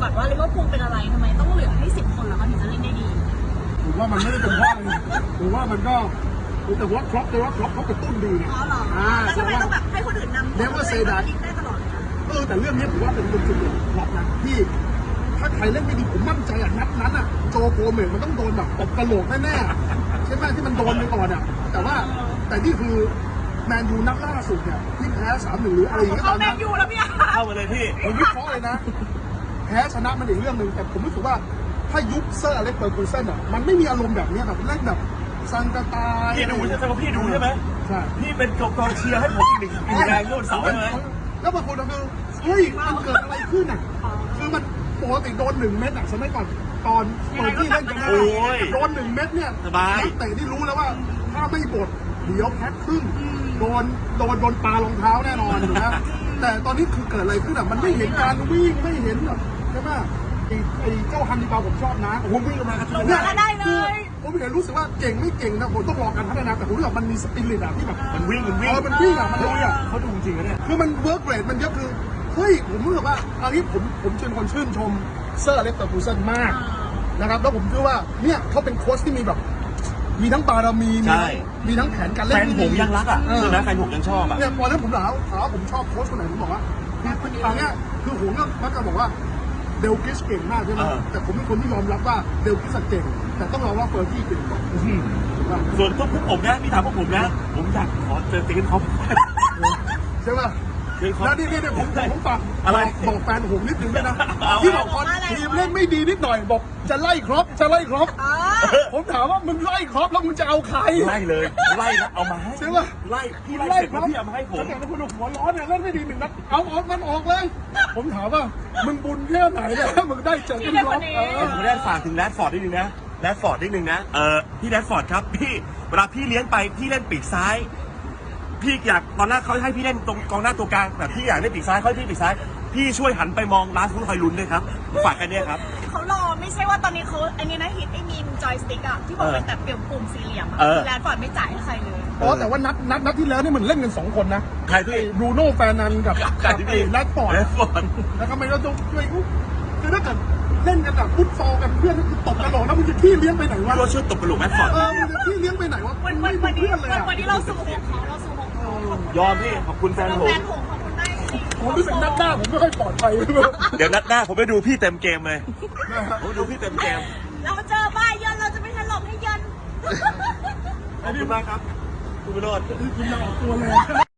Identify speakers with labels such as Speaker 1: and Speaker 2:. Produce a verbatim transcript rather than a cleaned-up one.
Speaker 1: ก่อนว่าลิเวอร์พูลเป็นอะไรทำไมต้องเหลือให้สิบคนแล้วเขาถึงจะเล่นได้ดี
Speaker 2: ผมว่ามันไม่ได้เป็นเพราะอะไรผมว่ามันก็แต่ว่าครอปแต่ว่าครอปเขากระตุ้นดีไง
Speaker 1: อ๋อเหรอแล้วทำไมต้องแบบให้คนอื่นนำ
Speaker 2: เรียกว่าเซดาน
Speaker 1: ได้ตลอด
Speaker 2: เออแต่เรื่องนี้ผมว่าเป็นเป็นจุดเด่นครอปนะที่ถ้าใครเล่นไม่ดีผมมั่นใจอ่ะนัดนั้นอ่ะโจโกเมสมันต้องโดนแบบตบกระโหลกแน่ๆใช่ไหมที่มันโดนไปก่อนอ่ะแต่ว่าแต่นี่คือแมนยูนัดล่าสุดเนี่ยที่แพ้สามหนึ่งหรืออะไรอย่างเงี้ยตอนนั้น
Speaker 1: แมนยูแล้วพี่
Speaker 3: เข้ามาเลยพี่
Speaker 2: ผมวิเคราะห์เลยนะแพ้ชนะมันอีกเรื่องหนึ่งแต่ผมรู้สึกว่าถ้ายุคเซอร์อเล็กซ์เฟอร์กูเซนอ่ะมันไม่มีอารมณ์แบบนี้แบบเล่นแบบซังกาตา
Speaker 3: พี่ดูใช่ไหมพี่ดูใช่ไหม
Speaker 2: ใช่
Speaker 3: พี่เป็นกองเชียร์ให้ผมอีกหนึ่งอีกแรงโยนเสาเลย
Speaker 2: แล้วบางคนก็คือเฮ้ยมันเกิดอะไรขึ้นอ่ะคือมันปกติโดนหนึ่งเม็ดอ่ะสมัยก่อนตอนเปิดที่เล่นกันได้โดนหนึ่งเม็ดเนี่ยนักเตะที่รู้แล้วว่าถ้าไม่บดเดี๋ยวแพ็คขึ้นโดนโดนโดนปลารองเท้าแน่นอนนะแต่ตอนนี้คือเกิดอะไรขึ้นอ่ะมันไม่เห็นการวิ่งไม่เห็นแบบใช่ไหมไอ้เจ้าฮันนิบาลผมชอบนะผมวิ่งมากระตุ้น
Speaker 1: เนี่ยได้เลย
Speaker 2: ผมเห็นรู้สึกว่าเก่งไม่เก่งนะผมต้องรอการพัฒนาแต่ผมรู้สึกมันมีสปิริตอะที่แบบ
Speaker 3: มันวิ่งมันวิ่ง
Speaker 2: เออมันวิ่งอะมันลุยอะ
Speaker 3: เขาดูจริงนะเนี่ย
Speaker 2: คือมันเวิร์กเรทมันเยอะคือเฮ้ยผมรู้สึกว่าอันนี้ผมผมเป็นคนชื่นชมเซอร์อเล็กซ์เฟอร์กูเซนมากนะครับแล้วผมเชื่อว่าเนี่ยเขาเป็นโค้ชที่มีแบบมีทั้งบารมีมีทั้งแผนการเล่น
Speaker 3: แฟนผมยังรักอ่ะใช่ไหมแฟนผมยังชอบอ่ะ
Speaker 2: เนี่ยพอแล้วผมถามถามว่าผมชอบโค้ชคนไหนผมบอกว่าคือตอนเนี้ยคือผมก็มักจะบอกว่าเดลกิสเก่งมากใช่ไหมแต่ผมเป็นคนที่ยอมรับว่าเดลกิสเก่งแต่ต้องยอมรับเฟอร์กี้เก่งกว่า
Speaker 3: ส่วนพวกผมนะพี่ถามพวกผมนะผมอยากขอเจอตีกันเขา
Speaker 2: ใช่ป่ะแล้วนี่นี่ผมผมฝาก
Speaker 3: อะไร
Speaker 2: บอกแฟนผมนิดนึงด้วยนะที่บอกตอนทีมเล่นไม่ดีนิดหน่อยบอกจะไล่ครบจะไล่ครบผมถามว่ามึงไล่ครบแล้วมึงจะเอาใคร
Speaker 3: ไล่เลยไล่แล้วเอามาให้
Speaker 2: ใช่ป่ะ
Speaker 3: ไล่พี่ไล่ครบพี่เอามาให้ผม
Speaker 2: แต่ถ้าคุณหัวร้อนเนี่ยเล่นไม่ดีหนึ่งนัดเอาออกมันออกเลยผมถามว่ามึงบุญแค่ไหนเนี่ยมึงได้เจอกันครบ
Speaker 3: ผมได้ฝากถึงแรดฟอร์ดนิดนึงนะแรดฟอร์ดนิดนึงนะเออพี่แรดฟอร์ดครับพี่เวลาพี่เลี้ยงไปพี่เล่นปีกซ้ายพี่อยากตอนแรกเขาให้พี่เล่นตรงกองหน้าตัวกลางแต่พี่อยากเล่นปีกซ้ายเขาให้พี่ปีกซ้ายพี่ช่วยหันไปมองลาสฟุตคอยลุ้นด้วยครับฝากกันเนี่ยครับ
Speaker 1: เขารอไม่ใช่ว่าตอนนี้เขาอันนี้นะฮิตไอ้มีมจอยสติ๊กอะที่บอกเป็นแต่เปลี่ยนปุ่มสี่เหลี่ยมอะแลนด์ฟอร์ดไม่จ่ายให้ใครเลย
Speaker 2: อ๋อแต่ว่านัดนัดนัดที่แล้วนี่มันเล่นกันสองคนนะ
Speaker 3: ใครที่
Speaker 2: บรูโน่แฟนันกับกับแรดฟอร์ด
Speaker 3: แรดฟอร์ด
Speaker 2: แล้วก็ไม่ต้องช่วยคือถ้าเกิดเล่นกันแบบฟุตซอลกันเพื่อนคือตบกระโหลกแล้วมึงจะขี้เลี้ยงไปไหนวะ
Speaker 3: เราช่วยตบกระโหลกแรดฟอร์ด
Speaker 2: เออมึงจะขี้เลี้ยงไปไหนวะ
Speaker 1: วันวันวันนี้วันนี้เราสู่ของเขาเราสู่ของเขา
Speaker 3: ยอมพี่ขอบคุณแฟนผม
Speaker 1: แฟนผมขอบคุณได้
Speaker 2: ผมรู้สึกนัดหน้าผมไม่ค่อยปลอดภัย
Speaker 3: เดี๋ยวนัดหน้าผมไปดูพี่เต็มเกมเลยผมดูพี่เต็มเกม
Speaker 1: เราเจอบ้าเยินเราจะไม่ถล่มให้เยิน
Speaker 3: ขอบคุณมากครับคุณวิโรจน์
Speaker 2: คุณจะออกตัวเลย